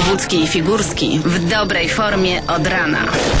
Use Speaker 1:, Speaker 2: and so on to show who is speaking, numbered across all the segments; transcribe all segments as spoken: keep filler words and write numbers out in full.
Speaker 1: Wojewódzki i Figurski w dobrej formie od rana.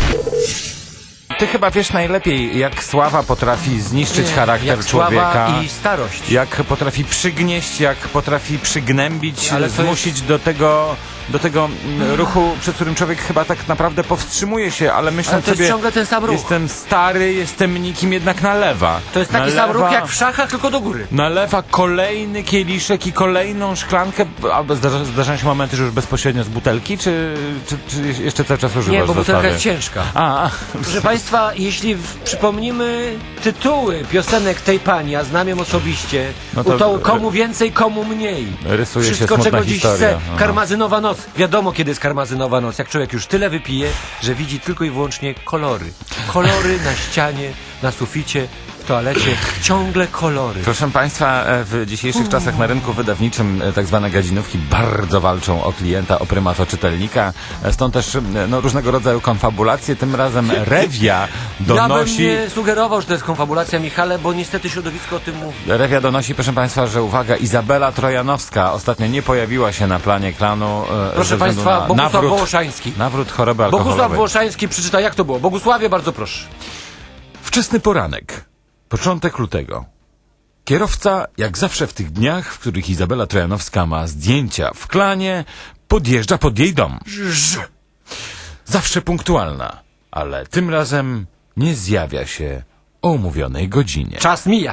Speaker 2: Ty chyba wiesz najlepiej, jak sława potrafi zniszczyć
Speaker 3: Nie,
Speaker 2: charakter
Speaker 3: jak
Speaker 2: człowieka.
Speaker 3: sława i starość.
Speaker 2: Jak potrafi przygnieść, jak potrafi przygnębić,
Speaker 3: Ale to
Speaker 2: zmusić
Speaker 3: jest...
Speaker 2: do tego, do tego mm, ruchu, przed którym człowiek chyba tak naprawdę powstrzymuje się, ale myślę
Speaker 3: Ale to
Speaker 2: sobie,
Speaker 3: jest ciągle ten sam ruch.
Speaker 2: jestem stary, jestem nikim, jednak nalewa.
Speaker 3: To jest taki
Speaker 2: nalewa,
Speaker 3: sam ruch jak w szachach, tylko do góry.
Speaker 2: Nalewa kolejny kieliszek i kolejną szklankę, albo zdarza, zdarzają się momenty, że już bezpośrednio z butelki, czy, czy, czy jeszcze cały czas używasz
Speaker 3: Nie, bo butelka
Speaker 2: dostawy?
Speaker 3: jest ciężka.
Speaker 2: A, a.
Speaker 3: Proszę Państwa, jeśli w, przypomnimy tytuły piosenek tej pani, a znam ją osobiście,
Speaker 2: No to-
Speaker 3: to komu więcej, komu mniej.
Speaker 2: Rysuje się
Speaker 3: Wszystko,
Speaker 2: smutna
Speaker 3: czego dziś
Speaker 2: historia.
Speaker 3: chce.
Speaker 2: Aha.
Speaker 3: Karmazynowa noc. Wiadomo, kiedy jest karmazynowa noc. Jak człowiek już tyle wypije, że widzi tylko i wyłącznie kolory. Kolory na ścianie, na suficie, w toalecie. Ciągle kolory.
Speaker 2: Proszę Państwa, w dzisiejszych czasach na rynku wydawniczym tak zwane gadzinówki bardzo walczą o klienta, o prymat, o czytelnika. Stąd też no, różnego rodzaju konfabulacje. Tym razem Rewia donosi...
Speaker 3: Ja bym nie sugerował, że to jest konfabulacja, Michale, bo niestety środowisko o tym mówi.
Speaker 2: Rewia donosi, proszę Państwa, że uwaga, Izabela Trojanowska ostatnio nie pojawiła się na planie klanu. e,
Speaker 3: Proszę
Speaker 2: ze względu
Speaker 3: Państwa,
Speaker 2: na
Speaker 3: Bogusław
Speaker 2: nawrót,
Speaker 3: Wołoszański.
Speaker 2: nawrót choroby alkoholowej.
Speaker 3: Bogusław Wołoszański przeczyta, jak to było. Bogusławie, bardzo proszę.
Speaker 2: Wczesny poranek, początek lutego. Kierowca, jak zawsze w tych dniach, w których Izabela Trojanowska ma zdjęcia w klanie, podjeżdża pod jej dom. Zawsze punktualna, ale tym razem nie zjawia się o umówionej godzinie.
Speaker 3: Czas mija.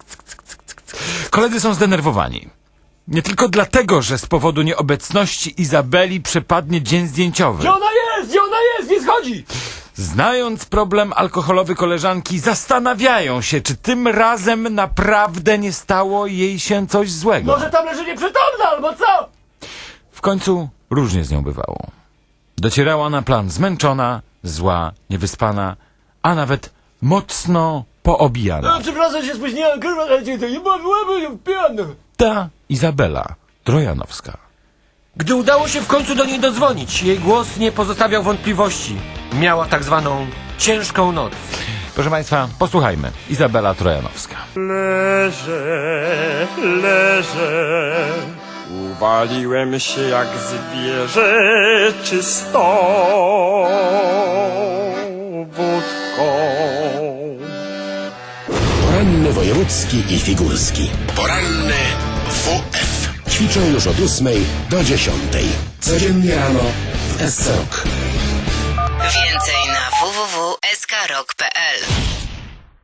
Speaker 2: Koledzy są zdenerwowani. Nie tylko dlatego, że z powodu nieobecności Izabeli przepadnie dzień zdjęciowy.
Speaker 3: Gdzie ona jest? Gdzie ona jest? Nie schodzi!
Speaker 2: Znając problem alkoholowy koleżanki, zastanawiają się, czy tym razem naprawdę nie stało jej się coś złego.
Speaker 3: Może tam leży nieprzytomna, albo co?
Speaker 2: W końcu różnie z nią bywało. Docierała na plan zmęczona, zła, niewyspana, a nawet mocno poobijana.
Speaker 3: Przepraszam, się spóźniłem, kurwa, to nie byłem pijany.
Speaker 2: Ta Izabela Trojanowska.
Speaker 3: Gdy udało się w końcu do niej dodzwonić, jej głos nie pozostawiał wątpliwości. Miała tak zwaną ciężką noc.
Speaker 2: Proszę Państwa, posłuchajmy. Izabela Trojanowska.
Speaker 4: Leżę, leżę, uwaliłem się jak zwierzę czystą wódką.
Speaker 5: Poranny wojewódzki i figurski. Poranny W F. Ćwiczą już od ósmej do dziesiątej. Codziennie rano w S C Rock.
Speaker 1: Więcej na w w w kropka s k rock kropka p l.